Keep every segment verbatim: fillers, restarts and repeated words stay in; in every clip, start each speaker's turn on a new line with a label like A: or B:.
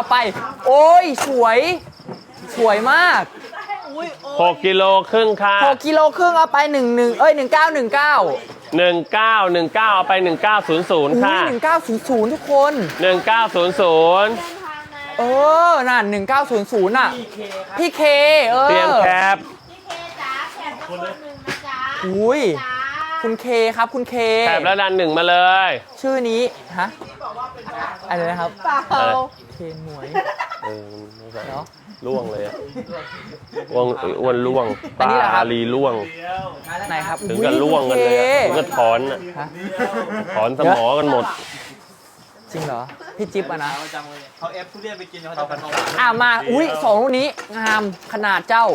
A: เอาไปโอ้ยสวยสวยมาก
B: หกกิโลครึ่งค่ะ
A: หกกิโลครึ่งเอาไปหนึ่งหนึ่งเอ้ยหนึ่งเก้าหนึ่งเก้า
B: หนึ่งเก้าหนึ่งเก้าเอาไปหนึ่งเก้าศูนย์ศูนย์ค่ะ
A: หนึ่งเก้าศูนย์ศูนย์ทุกคน
B: หนึ่งเก้าศูนย์ศูนย์
A: เออนั่นหนึ่งเก้าศูนย์ศูนย์อ่ะพี่เคเออ
B: เตรียมแคป
C: พี่เคจ๋าแคปคนหนึ่งนะจ๊ะ
A: อุ้ยคุณเคครับคุณเค
B: แคปแล้วดันหนึ่งมาเลย
A: ชื่อนี้ฮะอะไรนะครับ
C: เปล่า
A: เคนหมวย
B: เออไม่ใช่
A: เนาะ
B: ล่วงเลยอะอ้วนอ้วนล่วง
A: อันนี้เหรอครับ
B: ตาลีล่วง
A: ไหนครับ
B: ถึงกับล่วงกันเลยอะถึงกับถอนอะ
A: ฮะ
B: ถอนสมอกันหมด
A: จริงเหรอพี่จิ๊บอะนะ
D: เขาเอฟทุเรียนไปกินเขาจะเป็นของหวาน
A: อ่ะมาอุ้ยสองลูกนี้งามขนาดเจ้า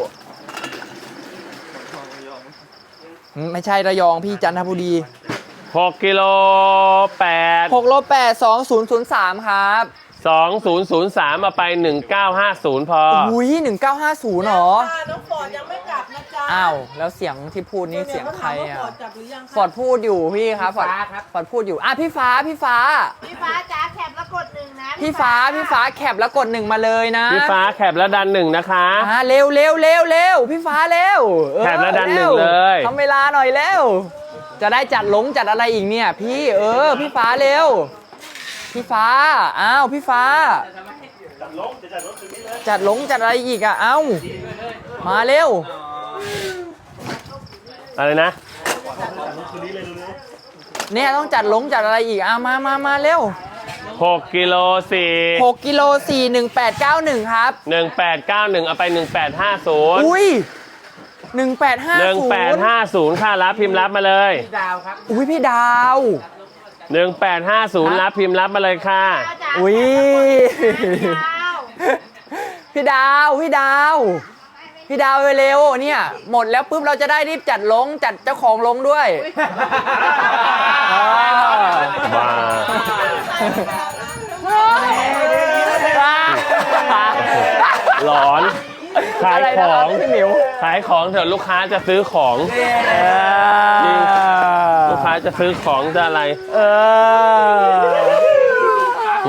A: ไม่ใช่ระยองพี่จันทบุรี
B: หกกิโลแปด
A: หกโลแปดสองศูนย์ศูนย์สามครับ
B: สองศูนย์ศูนย์สามมาไปหนึ่งเก้าห้าศูนย์พอ
A: อุ้ยหนึ่งเก้าห้าศูนย์หรอ
C: น้องฟอร์ดยังไม่กลับนะจ๊ะ
A: อ้าวแล้วเสียงที่พูดนี่เสียงใครอ่ะ
C: ฟอร์ดกลับหรือยัง
A: ฟอร์ดพูดอยู่พี่ครับฟอร์ดฟอร์ดพูดอยู่อ่ะพี่ฟ้าพี่ฟ้า
C: พี่ฟ้าจ๋าแคปแล้วกดหนึ่งนะ
A: พี่ฟ้าพี่ฟ้าแคปแล้วกดหนึ่งมาเลยนะ
B: พี่ฟ้าแคปแล้วดันหนึ่งนะคะ
A: อ่าเร็วเร็วเร็วเร็วพี่ฟ้าเร็วเออ
B: แคปแล้วดันหนึ่ง
A: ร็ว
B: เลย
A: ทำเวลาหน่อยเร็วจะได้จัดหลงจัดอะไรอีกเนี่ยพี่เออพี่ฟ้าเร็วพี่ฟ้าอ้าวพี่ฟ้าจัดหลงจัดอะไรอีกอ่ะเอ้ามาเร็ว
B: อะไรนะ
A: เนี่ยต้องจัดหลงจัดอะไรอีกอ่ะมามามาเร็ว
B: หกกิโลสี่
A: หกกิโลสี่หนึ่งแปดเก้าหนึ่งครับ
B: หนึ่งแปดเก้าหนึ่งเอาไปหนึ่งแปดห้าศูนย์
A: อุ้ยหนึ่งแปดห้า
B: หนึ่ง
A: ศูน
B: แปด
A: ย์
B: ห้าศูนย์ค่ะรับพิมพ์รับมาเลย
D: ดาวครับ
A: อุ้ยพี่ดาว
B: หนึ่งแปดห้าศูนย์รับพิมพ์รับมาเลยค่ะ
A: อุ้ย
C: พี่ดาว
A: พี่ดาวพี่ดาวพี่ดาวเร็วๆเนี่ยหมดแล้วปุ๊บเราจะได้รีบจัดลงจัดเจ้าของลงด้วยอ่า
B: บ้า หลอนขาย
A: อะไร
B: ข
A: นะ
B: อ
A: ครับ
B: ง
A: พี่หมิว
B: ขายของเถอะลูกค้าจะซื้อของ จริง ลูกค้าจะซื้อของจะอะไร
A: เออ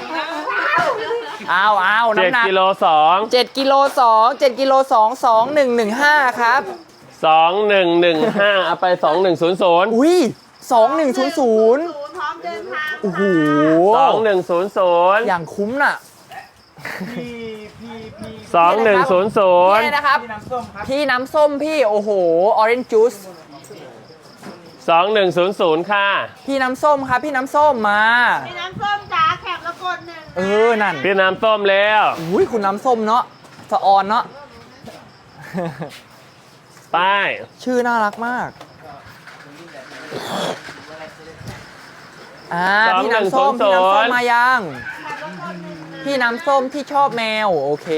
A: เอาเอา
B: เจ็ด
A: น้ำหนัก
B: กิโลสอง
A: เจ็ดกิโลสองเจ็ดกิโลสองสองหนึ่งหนึ่งห้าครับ
B: สองหนึ่งหนึ่งห้าเอาไปสองหนึ่งศูนย์ศูนย์
A: อุ้ยสองหนึ่งศูนย์ศูนย์
C: ศูนย์พร้อมเดินทาง
A: โอ้โห
B: สองหนึ่งศูนย์ศูนย์
A: อย่างคุ้มน่ะ
D: พี่พี่พี่
B: สองหนึ่งศูนย์ศูนย์
A: นี่นะครับ
D: พี่น้ำส้มครับ
A: พี่น้ำส้มพี่โอ้โห orange juice
B: สองหนึ่งศูนย์ศูนย์ค่ะ
A: พี่น้ำส้มครับ พี่น้ำส้มมา
C: พี่น้ำส้มจ๋าแคปแล้วกดหนึ่ง
A: เออ นั่น
B: พี่น้ำส้มแล้ว
A: อุ้ยคุณน้ำส้มเนาะสะออนเนาะ
B: ไป
A: ชื่อน่ารักมาก อ่า พี่น้ำส้ม พี่น้ำส้มมายัง พี่น้ำส้มที่ชอบแมว โอเค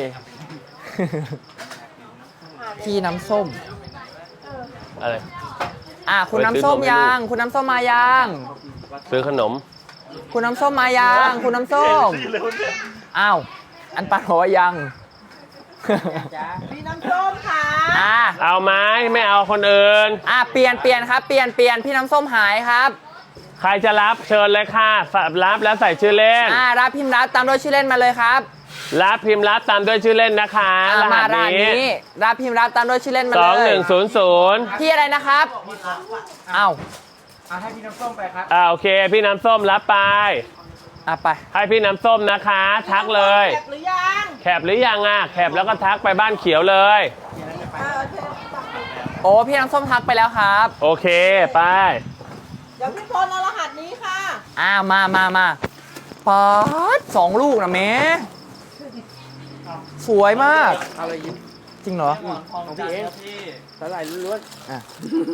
A: พี่น้ำส้ม
B: อะไร
A: อ่าคุณน้ำส้มยัง คุณน้ำส้มมายัง
B: ซื้อขนม
A: คุณน้ำส้มมายังคุณน้ำส้มอ้าวอันปันบอกว่ายัง
C: พี่น้ำส้มค่ะ
A: อ่า
B: เอาไหมไม่เอาคนอื่น
A: อ่าเปลี่ยนเปลี่ยนครับเปลี่ยนเปลี่ยนพี่น้ำส้มหายครับ
B: ใครจะรับเชิญเลยค่ะรับแล้วใส่ชื่อเล่น
A: อ่ารับพิมพ์รับตามด้วยชื่อเล่นมาเลยครับ
B: รับพิมพ์รับตามด้วยชื่อเล่นนะคะ
A: อ่าร
B: หั
A: มา
B: ส
A: ร้าน
B: นี้
A: นี้รับพิมพ์รับตามด้วยชื่อเล่นมา
B: ส
A: เล
B: องห
A: ย
B: นึ่งศูนย์ศูนย์
A: พี่อะไรนะครับอ้าว
D: เอาให้พี่น้ำส้มไปครับ
B: อ่าโอเค พี่น้ำส้มรับไป
A: อ่ะไป
B: ให้พี่น้ำส้มนะคะ ทักเลย
C: แคปหรือยัง
B: แคปหรือยังอ่ะแคปแล้วก็ทักไปบ้านเขียวเลย
A: โอ้พี่น้ำส้มทักไปแล้วครับ
B: โอเคไป
C: เดี๋ยวพี่พลเอารหัสนี้ค่ะ
A: อ่ามามามาป๊าดสองลูกนะเมสวยมาก
D: เอาอะไรยิ้ม
A: จริงเหรอ
D: ของพี่เองพี่สาหร่ายล้วน
A: อ่ะ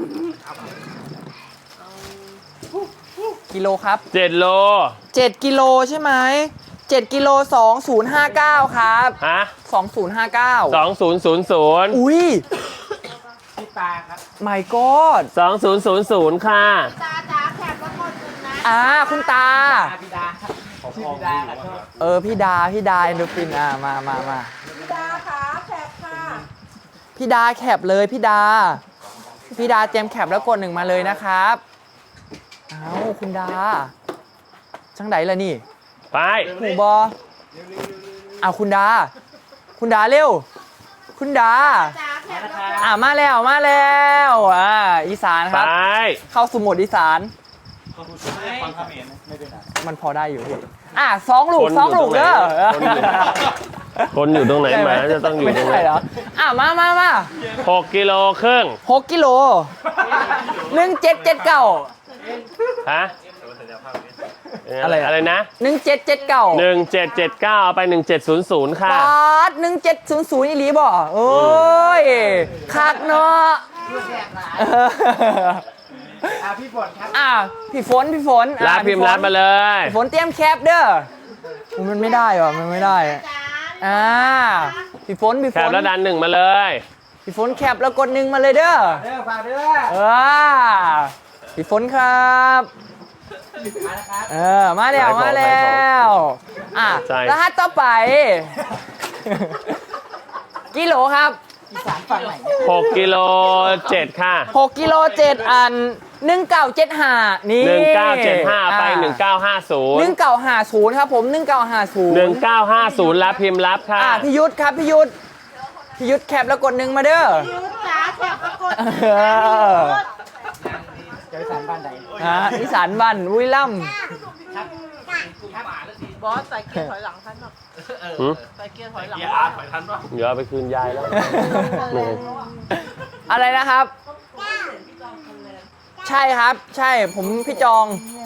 A: กิโลครับ
B: เจ็ดโล
A: เจ็ดกิโลใช่ไหมเจ็ดกิโลสองศูนย์ห้าเก้าครับ
B: ฮะ
A: สองศูนย์ห้าเก้า
B: สองศูนย์ศูนย์ศูนย์
A: อุ้ย
D: ๆพี่ตาครับ
A: my god
B: สองศูนย์ศูนย์ศูนย์ค่ะ
C: ตาจ๋าแคปแล้วกดหนึ่งนะ
A: อ่าคุณตา
D: พี่ดาชื่อพี่ดาครับ
A: เออพี่ดาพี่ดาเอนโดฟินอ่ามามามา
C: พี่ดาค่ะแคปค่ะ
A: พี่ดาแคปเลยพี่ดา พี่ดาเตรียมแคปแล้วกดหนึ่งมาเลยนะครับเอาคุณดาจังไดล่ะนี่
B: ไป
A: หูบอเอาคุณดา คุณดาเร็ว คุณดา
C: จ๋าแคปแล้วก็
A: อ่ามาแล้วมาแล้วอ่าอีสานค
B: ไป
A: รับ เข้าสู่โหมดอีสาน
D: ฟังคำเห็นไม่เป็นไร
A: มันพอได้อยู่พี่อ่ะสองลูกสองลูกเด้อ
B: คนอยู่ตรงไหนหมาจะต้องอยู่
A: ไม่
B: ตรงไหน
A: ได้เหรออ่ะมามามา
B: หกกิโลครึ่ง
A: หกกิโลหนึ่งเจ็ดเจ็ดเก้า
B: ฮะ
A: อะไรอะ
B: อะไรนะ
A: หนึ่งเจ็ดเจ็ดเก้า
B: หนึ่งเจ็ดเจ็ดเก้าเอาไปหนึ่งเจ็ดศูนย์ศูนย์ค่ะ
A: ปาดหนึ่งเจ็ดศูนย์ศูนย์อีหลีบ่โอ้ยคักเนาะเออ
D: อ่ะพี่ฝนครับ
A: อ่ะพี่ฝนพี่ฝนอ่ะ
B: รับพิมพ์
A: พี่ฝน
B: รับมาเลย
A: พี่ฝนเตรียมแคปเด้ออุ๊ยมันไม่ได้ว่ะมันไม่ได้
C: จ๋า
A: อ่าพี่ฝนพี่
B: แค
A: ฝ
B: ป
A: น
B: แล้วดันหนึ่งมาเลย
A: พี่ฝนแคปแล้วกดหนึ่งมาเลยเด้อ
D: เด้อฝากเด้อ
A: เออพี่ฝนครับ
D: มานะครับ
A: เออมาแล้วมาแล้วอ่ะรหัสต่อไป กิโลครับ
D: อีสานฝั่งไหน
B: หกกิโลเจ็ดค่ะ
A: หกกิโลเจ็ดอันหนึ่งเก้าเจ็ดห้านี่
B: หนึ่งเก้าเจ็ดห้าไปหนึ่งเก้าห้าศูน
A: หนึ่
B: ย์
A: งเก้าห้าศูนย์ครับผมหนึ่งเก้าห้าศูนย์
B: หนึ่งเก้าห้าศูนย์รับพิมพ์รับค่ะ
A: อ่ะพี่ยุทธครับพี่ยุทธพี่ยุทธแคปแล้วกดหนึ่งมาเด้อ
C: ยุทธจ๋าแคปแล้วกด
A: เออ
D: จะอีสานบ้านใด
A: อ่ะอีสานบ้านวุ้ยล่
C: บอสใส่เกียร์ถอยหลังทันหรอ
B: หืม
C: ใส่เกียร์ถอยหลัง
B: เดี๋ยวเอาไปคืนยายแล้วเหนื่อย
A: ำอะไรนะครับ ใช่ครับ ใช่ผมพี่จอง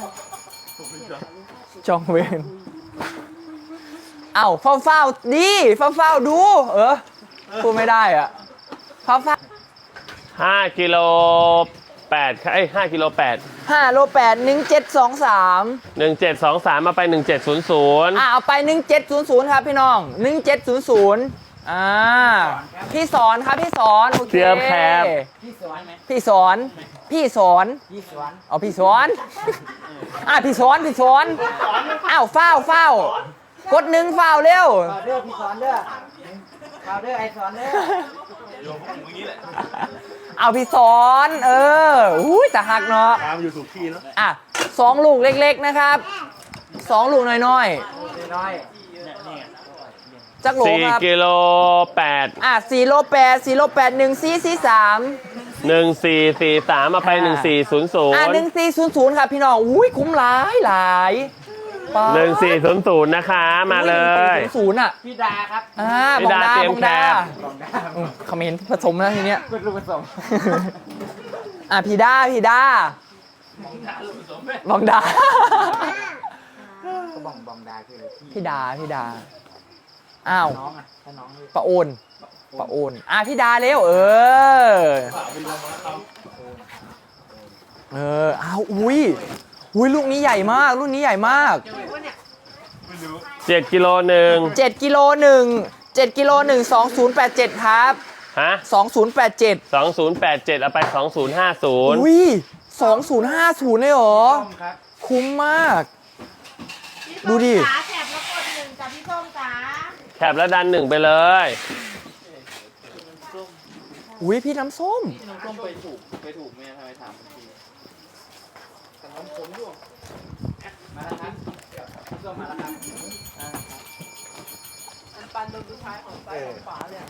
A: จองเวนเอ้าเฝ้าเฝ้าๆดีเฝ้าเฝ้าๆดู เออพูดไม่ได้อ่ะเฝ้าเฝ้า
B: ห้ากิโลแปดค่ะเอ้ยห้ากิโลแปด
A: ห้าโลแปดหนึ่งเจ็ดสองสาม
B: หนึ่งเจ็ดสองสามมาไปหนึ่งเจ็ดศูนย์ศูนย์
A: อ่าเอาไปหนึ่งเจ็ดศูนย์ศูนย์ครับพี่น้องหนึ่งเจ็ดศูนย์ศูนย์อ่าพี่สอนครับพี่สอนโอเค
B: เตรียมแคป
D: พี่สวนไหม
A: พี่สอน พี่สอน
D: พี่สวน
A: เอาพี่สอนอ่าพี่สอนพี่สอนอ้าวเฝ้าเฝ้า กดหนึ่งเฝ้าเร็ว
D: ฝากเด้อพี่สอนเด้อฝากเด้อไอสอนเด้อ
A: เอาพี่สอน เอออุ้ยแต่หักเนาะ
E: ตามอยู่ถูกที่เนาะ
A: อ่ะสองลูกเล็กๆนะครับสองลูกน้อย
D: น้อย
A: ๆจักโหล
B: สี่
A: ครับ
B: กิโลแปด
A: อ่ะสี่โลแปดสี่โลแปดหนึ่งสี่สี่สาม
B: หนึ่งสี่สี่สามมาไปหนึ่งสี่ศูนย์ศูน
A: อ่ะ
B: ย์
A: หนึ่งสี่ศูนย์ศูนย์ครับพี่น้องอุ้ยคุ้มหลายหลายป๊าด
B: หนึ่งสี่ศูนย์ศูนย์นะคะมาเลย
A: หนึ่งสี่ศูนย์ศูนย์อ่ะ
D: พี่ดาครับ
A: อ่า
B: พี่
A: บอง
B: ดา
A: ดา
B: เตรีย
A: บ
B: ม
A: องดา
B: แคป
D: ลองได้
A: อืมคอมเขมนต์ผสมแล้วทีเนี้ย
D: เป็นลูกผสม
A: อ่ะพี่ดาพี่ดาบองดา
D: ก็บองบองดาคือพี่
A: พี่ดาพี่ดาอ้าว
D: น้องอ่ะถ้าน้อง
A: ปะโอนปะโอนอ่ะพี่ดาเร็วเออเอออ้าวอุ้ยอุ้ยลูกนี้ใหญ่มากลูกนี้ใหญ่มาก
B: เจ็ดกิโลหนึ่ง
A: เจ็ดกิโลหนึ่งเจ็ดกิโลหนึ่งสองศูนย์แปดเจ็ดครับ
B: ฮะ
A: สองศูนย์แปดเจ็ด
B: สองศูนย์แปดเจ็ดเอาไปสองศูนย์ห้าศูนย์
A: อุ้ยสองศูนย์ห้าศูนย์เลยเหรอ
D: ส้มครับ
A: คุ้มมาก
C: พี่
A: ดูดิ
C: ส้มจ๋าแคปแล้วกดหนึ่งจ้ะพี่ส้มจ๋า
B: แคปแล้วดันหนึ่งไปเลย
A: อุ้ยพี่น้ำส้ม
D: น้องส้มไปถูกไปถูกไหมทำไมถามทีแต่น้องผมอยู่มาแล้วครับพี่ส้มมาแล้วครับ
C: อันปันโดนผู้ชายของซ้ายของขวาเลย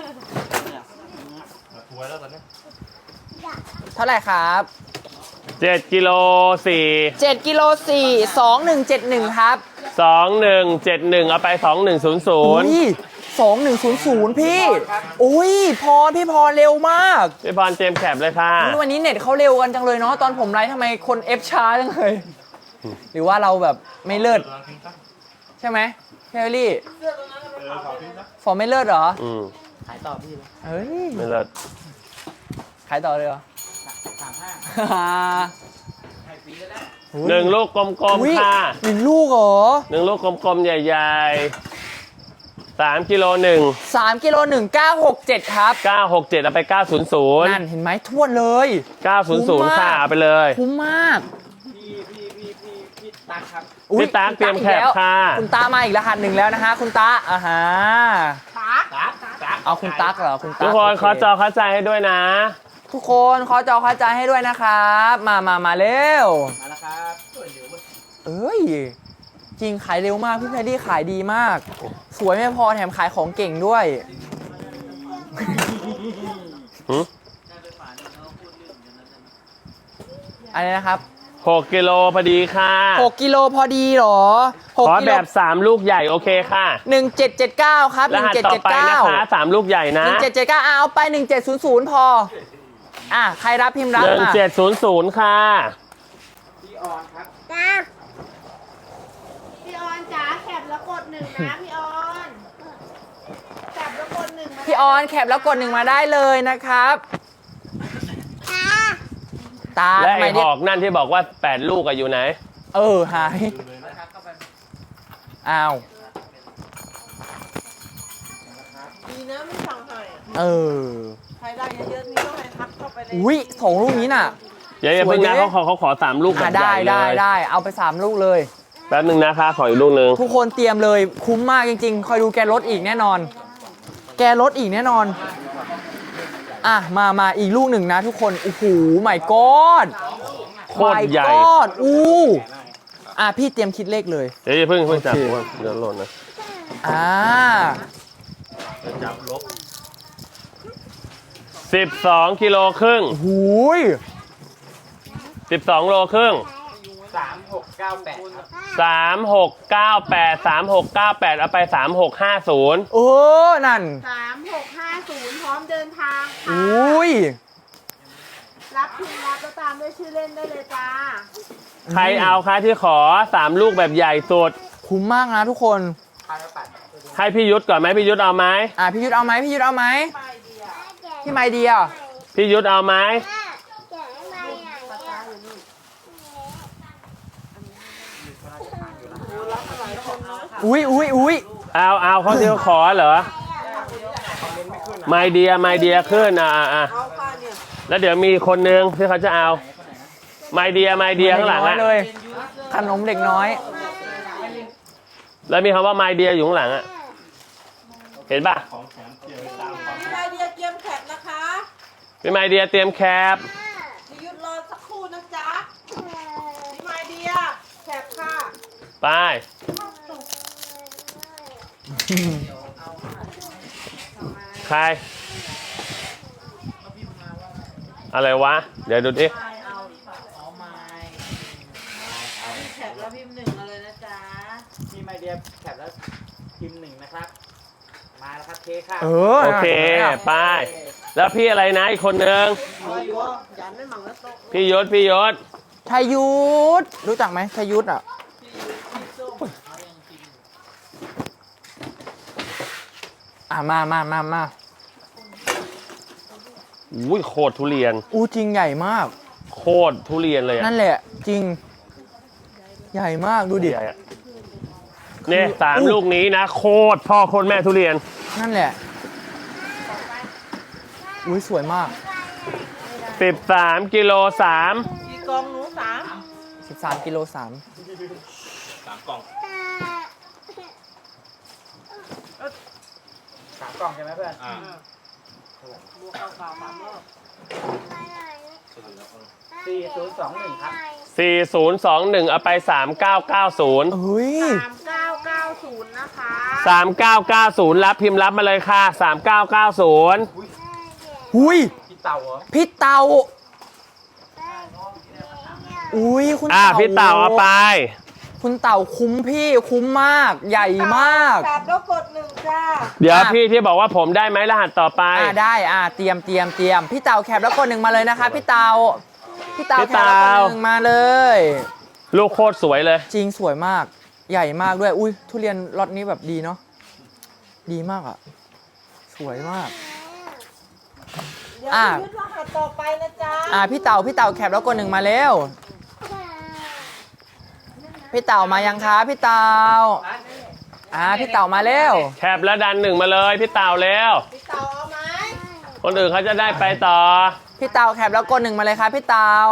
E: ถวยแล้วตอนนี้
A: เท่าไหร่ครับ
B: เจ็ดกิโลสี่
A: เจ็ดกิโลสี่สองหนึ่งเจ็ดหนึ่งครับ
B: สองหนึ่งเจ็ดหนึ่งเอาไปสองหนึ่งศูนย์ศูนย์
A: อุ้ยสองหนึ่งศูนย์ศูนย์พี่ อุ้ยพรพี่พรเร็วมาก
B: พี่พรเจมส์แคปเลยค่ะ
A: อุ๊ยวันนี้เน็ตเขาเร็วกันจังเลยเนาะตอนผมไลฟ์ทำไมคนเอฟช้าจังเลย หรือว่าเราแบบไม่เลิศใช่ไหมพี่เอลลี่ฟอร์มไม่เลิศเหรอ
B: อืม
D: ขายต่อพี่เลย
A: เฮ้ย
B: ไม่เลิศ
A: ขายต่อเลยเหรอ
D: สามห้า
B: หนึ่งลูกกลม
A: อุ๊ย
B: ๆค่ะ
A: หนึ่งลูกเหรอ
B: หนึ่งลูกกลมๆใหญ่ๆสามกิโลหนึ่ง
A: สามกิโลหนึ่งเก้าหกเจ็ดครับ
B: เก้าหกเจ็ดเอาไปเก้าศูนย์ศูนย์
A: นั่นเห็นไหมทวนเลย
B: เก้าศูนย์ศูนย์ค่ะเอาไปเลย
A: คุ้มมาก
D: พี่พี่พี่พี่พี่ตักครับ
A: อุ๊ย
B: พี่ตั๊กเตรียมแคป
A: อีกแล้ว
B: ค่ะ
A: คุณตามาอีกรหัสหนึ่งแล้วนะฮะคุณตาอ่าฮะ
C: ตัก
D: ตักตัก
A: เอาคุณตั๊กเหรอคุณตั๊
B: ทุ
A: ก
B: กคน
A: โเ
B: ขอจอเข้าใจให้ด้วยนะ
A: ทุกคนขอจอเข้าใจให้ด้วยนะครับ มามามาเร็ว
D: มาแล้วครับ
A: เอ้ย เจริงขายเร็วมากพี่แพดดี้ขายดีมาก สวยไม่พอแถมขายของเก่งด้วย
B: หือ
A: อะไรนะครับ
B: หกกิโลพอดีค่ะ
A: หกกิโลพอดีเหรอหก
B: ขอ
A: กิ
B: แบ
A: โล
B: บสามลูกใหญ่โอเคค่ะ
A: หนึ่งเจ็ดเจ็ดเก้าครับห
B: ร
A: นึ่ง
B: หัส
A: เจ็ด
B: ต่อ
A: เจ็ด
B: ไป
A: เก้า
B: นะคะสามลูกใหญ่นะ
A: หนึ่งเจ็ดเจ็ดเก้าเอาไปหนึ่งเจ็ดศูนย์ศูนย์พออ่ะใครรับพิมพ์รับ
B: หนึ่ง
A: มา
B: เจ็ดศูนย์ศูนย์ค่ะ
D: พี่ออนครับ
C: จ้าพี่ออนจ๋าแคปแล้วกดหนึ่งนะพี่ออนแคปแล้วกดหนึ่งมา
A: พี่ออนแคปแล้วกดหนึ่งมาได้เลยนะครับตา
B: และ
A: ทำไม
B: ไอ้ห
A: เนี่ย
B: อกนั่นที่บอกว่าแปดลูกอะอยู่ไหน
A: เออหายอ้าว
C: ดีนะไม่สั่งให้อะ
A: เออ
C: ใครได้เยอะๆนี่ต้องให้ทักเข้าไปใน
A: อุ้ยสองลูกนี้น่ะ
B: อย่าอย่าเพิ่งนะ
A: สวยดิ
B: เขาขอเขาขอสามลูกแบ
A: อ่ะ
B: บให
A: ได้
B: ญ่เล
A: ได้
B: ย
A: ได้เอาไปสามลูกเลย
B: แป๊บหนึ่งนะคะขออีกลูกหนึ่ง
A: ทุกคนเตรียมเลยคุ้มมากจริงๆ คอยดูแกลดอีกแน่นอน แกลดอีกแน่นอน อ่ะ มามาอีกลูกหนึ่งนะทุกคน โอ้โหไม่กอด
B: โคตรใหญ่
A: กอดอู้อ่ะ พี่เตรียมคิดเลขเลย
B: เดี๋ยวอย่าเพิ่งเพิ่งจับ
A: โอเค
B: เดี๋ยวหล่นนะ
A: อ่า
B: สิบสองกิโลครึ่ง
A: หูย
B: สิบสองโลครึ่ง
D: สามหกเก้าแปดครับ
B: สามหกเก้าแปดสามหกเก้าแปดเอาไปสามหกห้าศูนย์
A: เออ นั่น
C: สามหกห้าศูนย์พร้อมเดินทาง
A: อ
C: ค่ะ
A: ุ้ย
C: รับพิมพ์รับแล้วตามด้วยชื่อเล่นได้เลยจ้า
B: ใครเอาคะที่ขอสามลูกแบบใหญ่สุด
A: คุ้มมากนะทุกคน
B: ให้พี่ยุทธก่อนไหมพี่ยุทธเอาไหม
A: อ่ะ พี่ยุทธเอาไหมพี่ยุทธเอาไหม
C: ไปเดียว
A: พี่ไมเดีย
B: พี่ยุทธเอาไหม
A: อุ้ยอุ้ยอุ้ย
B: เอาเอาเขาที่เขาขอเหรอไมเดียไมเดียขึ้นอ่ะอ่ะอ่ะ
C: เอาค่ะเนี่ย
B: แล้วเดี๋ยวมีคนนึงที่เขาจะเอาไมเดียไมเดียข้างหลัง
A: เด็กน้
B: อ่ะ
A: อยเลย ขนมเด็กน้อย
B: แล้วมีคำว่าไมเดียอยู่ข้างหลังอ่ะเห็นป่ะ
C: พี่ไอเดียเกมแคปนะคะ
B: พี่ไมเดียเตรียมแคป
C: พี่ยุทธรอสักครู่นะจ๊ะพี่ไอเดียแคปค่ะ
B: ไปใครอะไรวะ เดี๋ยวดูดิ
C: ไม่เอาเอาไม่แคปแล้วพิมพ์หนึ่งมาเลยนะจ๊ะ
D: พี่ไมเดียแคปแล้วพิมพ์หนึ่งนะครับ มาแล้วครับเค้กค่ะ
A: เออ
B: โอเคไป แล้วพี่อะไรนะอีกคนนึง
C: ยันไม่หมั่งแล้วโต๊ะ
B: พี่ยศพี่ยศ
A: ชัยยุทธรู้จักไหมชัยยุทธอ่ะ อ่ะ มามามามา
B: อุ้ยโคตรทุเรียน
A: อู้จริงใหญ่มาก
B: โคตรทุเรียนเลยอ่ะ
A: นั่นแหละ จริง ใหญ่มากดูดิ
B: ใหญ่อะเนี่ยสามลูกนี้นะ โคตรพ่อโคตรแม่ทุเรียน
A: นั่นแหละ อุ้ยสวยมาก
B: สิบสามกิโลสาม
C: กี่กองหนูสาม
A: สิบสามกิโลสาม
D: สามกล่องใช่ไหมเพื่อน
C: บวกเอาเปล่าสามรอบ
D: สี่ศูนย์สองหนึ่งครับ
B: สี่ศูนย์สองหนึ่งเอาไปสามเก้าเก้าศูนย์
A: เฮ้ย
C: สามเก้าเก้าศูนย์นะคะ
B: สามเก้าเก้าศูนย์รับพิมพ์รับมาเลยค่ะสามเก้าเก้าศูนย์
A: หุย
D: พี่เต่าเหรอ
A: พี่เตาอุ้ยคุณ
B: อ่ะ
A: เต่า
B: พี่เต่าเอาไป
A: คุณเต่าคุ้มพี่คุ้มมาก ใหญ่มาก
C: แปดแล้วกดหนึ่งจ้า
B: เดี๋ยว
A: อ่ะ
B: พี่ที่บอกว่าผมได้ไหมรหัสต่อไป
A: อ่าได้อ่าเตรียมเตรียมเตรียมพี่เต่าแคปแล้วกดหนึ่งมาเลยนะคะพี่เต่าพี่เต่า
B: พี่
A: แคปแล้วก
B: เต่า
A: ดหนึ่งมาเลย
B: ลูกโคตรสวยเลย
A: จริงสวยมาก ใหญ่มากด้วย อุ้ยทุเรียนล็อตนี้แบบดีเนาะดีมากอ่ะ สวยมาก
C: เดี๋ยว
A: อ่ะ
C: พี่ยุทธรหัสต่อไปนะจ๊ะ
A: อ่าพี่เต่าพี่เต่าแคปแล้วกดหนึ่งมาเร็วพี่เต่ามายังคะพี่เต่าอ่าพี่เต่ามาเร็ว
B: แคปแล้วดันหนึ่งมาเลยพี่เต่าแล้ว
C: พี่เต๋าเอาไหม
B: คนอื่นเขาจะได้ไปต่อ
A: พี่เต่าแคปแล้วกดหนึ่งมาเลยครับพี่เต่า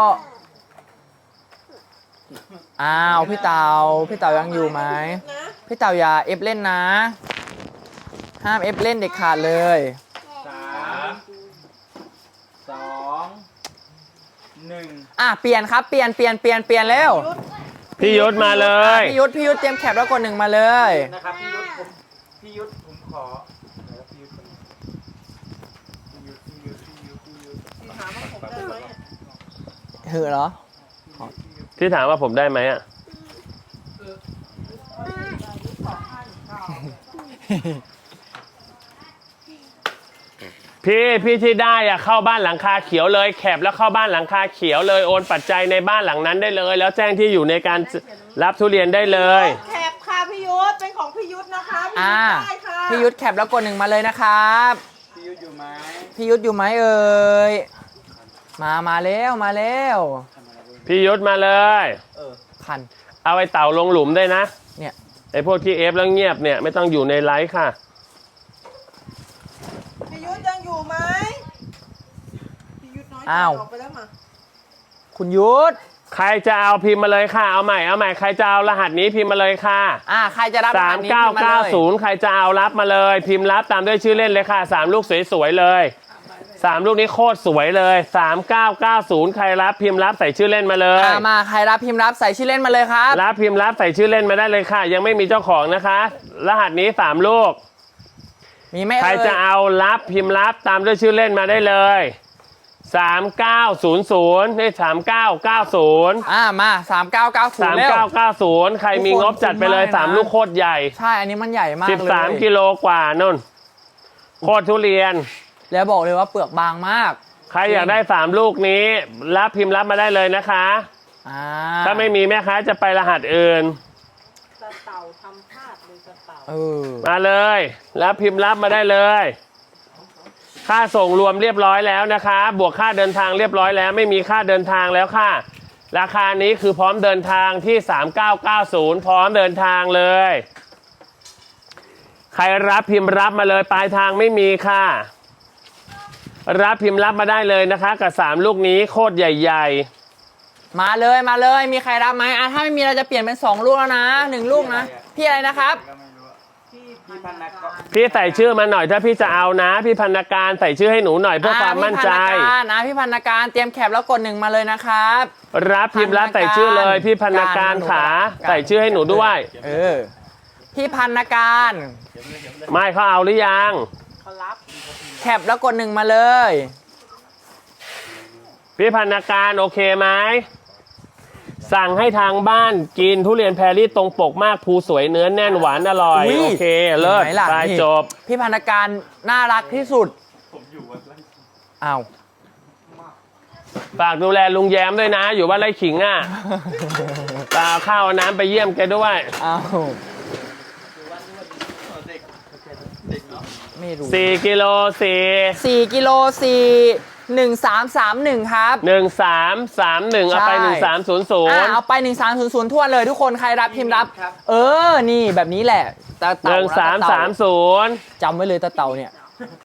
A: อ้าวพี่เต่าพี่เต่ายังอยู่ไหม
C: นะ
A: พี่เต่าอย่าเอฟเล่นนะ ห้ามเอฟเล่นเด็ดขาดเลย
D: สามสองหนึ่ง
A: อ่ะเปลี่ยนครับเปลี่ยนเปลี่ยนเปลี่ยนเปลี่ยนเร็ว
B: พี่ยุทธมาเลย
A: พี่ยุทธพี่ยุทธเตรียมแคปแล้วกดหนึ่งมาเลย
D: นะครับพี่ยุทธผมพี่ยุทธผมขอเดี๋ยวพี่ยุทธคนนี้พี่ยุทธพี่ยุทธพี่ยุทธพี่ยุทธ
C: พี่ถามว่าผมได้ไหม
A: หือเหรอ
B: ที่ถามว่าผมได้ไหมอ่ะ พี่พี่ที่ได้อะเข้าบ้านหลังคาเขียวเลยแคปแล้วเข้าบ้านหลังคาเขียวเลยโอนปัจจัยในบ้านหลังนั้นได้เลย แล้วแจ้งที่อยู่ในการรับทุเรียนได้เลย
C: แคปค่ะพี่ยุทธเป็นของพี่ยุทธนะคะพี่
A: อ่า
C: ยุทธได้ค่ะ
A: พี่ยุทธแคปแล้วกดหนึ่งมาเลยนะครับ
D: พี่ยุทธอยู่ไหม
A: พี่ยุทธอยู่ไหมเอ่ยมามาแล้วมาแล้ว
B: พี่ยุทธมาเลย
D: เออ
A: คัน
B: เอาไอ้เต่าลงหลุมด้วยนะ
A: เนี่ย
B: ไอ้พวกที่เอฟแล้วเงียบเนี่ยไม่ต้องอยู่ในไลฟ์ค่ะ
C: พี่ยุทธยังอยู่ไหมพี่ยุทธน้อยใจ
A: อ้าว
C: ออกไปแล้วมา
A: คุณยุทธ
B: ใครจะเอาพิมพ์มาเลยค่ะเอาใหม่เอาใหม่ใครจะเอารหัสนี้พิมพ์มาเลยค่ะ
A: อ่าใครจะรับ
B: สาม
A: รหัสนี้
B: เก้า
A: พิมพ์
B: เก้า
A: ลย
B: ศูนย์ใครจะเอารับมาเลย พิมพ์รับตามด้วยชื่อเล่นเลยค่ะสามลูกสวยๆเลยสามลูกนี้โคตรสวยเลยสามเก้าเก้าศูนย์ใครรับพิมพ์รับใส่ชื่อเล่นมาเลย
A: อ่ามาใครรับพิมพ์รับใส่ชื่อเล่นมาเลยครับ
B: รับพิมพ์รับใส่ชื่อเล่นมาได้เลยค่ะ ยังไม่มีเจ้าของนะคะ รหัสนี้สามลูก
A: มีไหม
B: ใคร
A: เอ่ย
B: จะเอารับพิมพ์รับตามด้วยชื่อเล่นมาได้เลยสามเก้าศูนย์ศูนย์นี่สามเก้าเก้าศูนย์
A: อ่ามาสามเก้าเก้าศูน
B: สาม
A: ย์เร็ว
B: เก้าเก้าศูนย์ใครมีงบจัดไปเลย
A: ทุกคน
B: สามลูกโคตรใหญ่
A: ใช่อันนี้มันใหญ่มาก
B: สิบ
A: เลย
B: สามกิโลกว่านุ่นโคตรทุเรียน
A: แล้วบอกเลยว่าเปลือกบางมาก
B: ใครอยากได้สามลูกนี้รับพิมพ์รับมาได้เลยนะคะ
A: อ่า
B: ถ้าไม่มีแม่ค้าจะไปรหัสอื่น
C: ตะเต่าทำพลาดเลยตะเต่า
A: เออ
B: มาเลยรับพิมพ์รับมาได้เลย ค่าส่งรวมเรียบร้อยแล้วนะคะ บวกค่าเดินทางเรียบร้อยแล้ว ไม่มีค่าเดินทางแล้วค่ะ ราคานี้คือพร้อมเดินทางที่สามเก้าเก้าศูนย์พร้อมเดินทางเลย ใครรับพิมพ์รับมาเลยปลายทางไม่มีค่ะ รับพิมพ์รับมาได้เลยนะคะ กับสามลูกนี้โคตรใหญ่
A: มาเลยมาเลยมีใครรับไหมอ่ะถ้าไม่มีเราจะเปลี่ยนเป็นสองลูกแล้วนะหนึ่งลูกนะพี่อะไรนะครับ
D: ก็ไม่รู้อะ
C: พี่
D: พี่พันนักก็
B: ๆ พี่ใส่ชื่อมาหน่อยถ้าพี่จะเอานะ พี่พันนาการใส่ชื่อให้หนูหน่อยเพื่อความมั่นใจ
A: อ่าพี่พันนาการนะพี่พันนาการเตรียมแคปแล้วกดหนึ่งมาเลยนะครับ
B: รับพิมพ์รับใส่ชื่อเลย พี่พันนาการขา
A: การ
B: ใส่ชื่อให้หนูด้วย
A: เออพี่พันนาการ
B: ไม่เขาเอาหรือยัง
C: เขารับ
A: แคปแล้วกดหนึ่งมาเลย
B: พี่พันนาการโอเคไหมสั่งให้ทางบ้านกินทุเรียนแพรรี่ตรงปกมากภูสวยเนื้อแน่นหวานอร่อย
A: อุ๊ย
B: โอเคเลิศ
A: เห็นไหมล่ะ
B: ไป
A: นี่
B: จบ
A: พี่พันนาการน่ารักที่สุดอ้าว
B: ฝากดูแลลุงแย้มด้วยนะ อยู่บ้านไร่ขิงอ่ะตาข้าวเอาน้ำไปเยี่ยมแกด้วย
A: อ้าว
D: เด็กเด็กเนาะ
A: ไม่รู้
B: สี่กิโลสี่
A: สี่กิโลสี่หนึ่งสามสามหนึ่งครับ
B: หนึ่งสามสามหนึ่งเอาไป
A: ใช่
B: หนึ่งสามศูนย์ศูน
A: อ่า
B: ย์
A: เอาไปหนึ่งสามศูนย์ศูนย์ทั่วเลยทุกคนใครรับพิมพ์รับ เออนี่แบบนี้แหละตา
B: ห
A: เต่า
B: นึ่งสาม
A: ตา
B: สาม
A: เต่า
B: ศูนย์
A: จำไว้เลยตาเต่าเนี่ย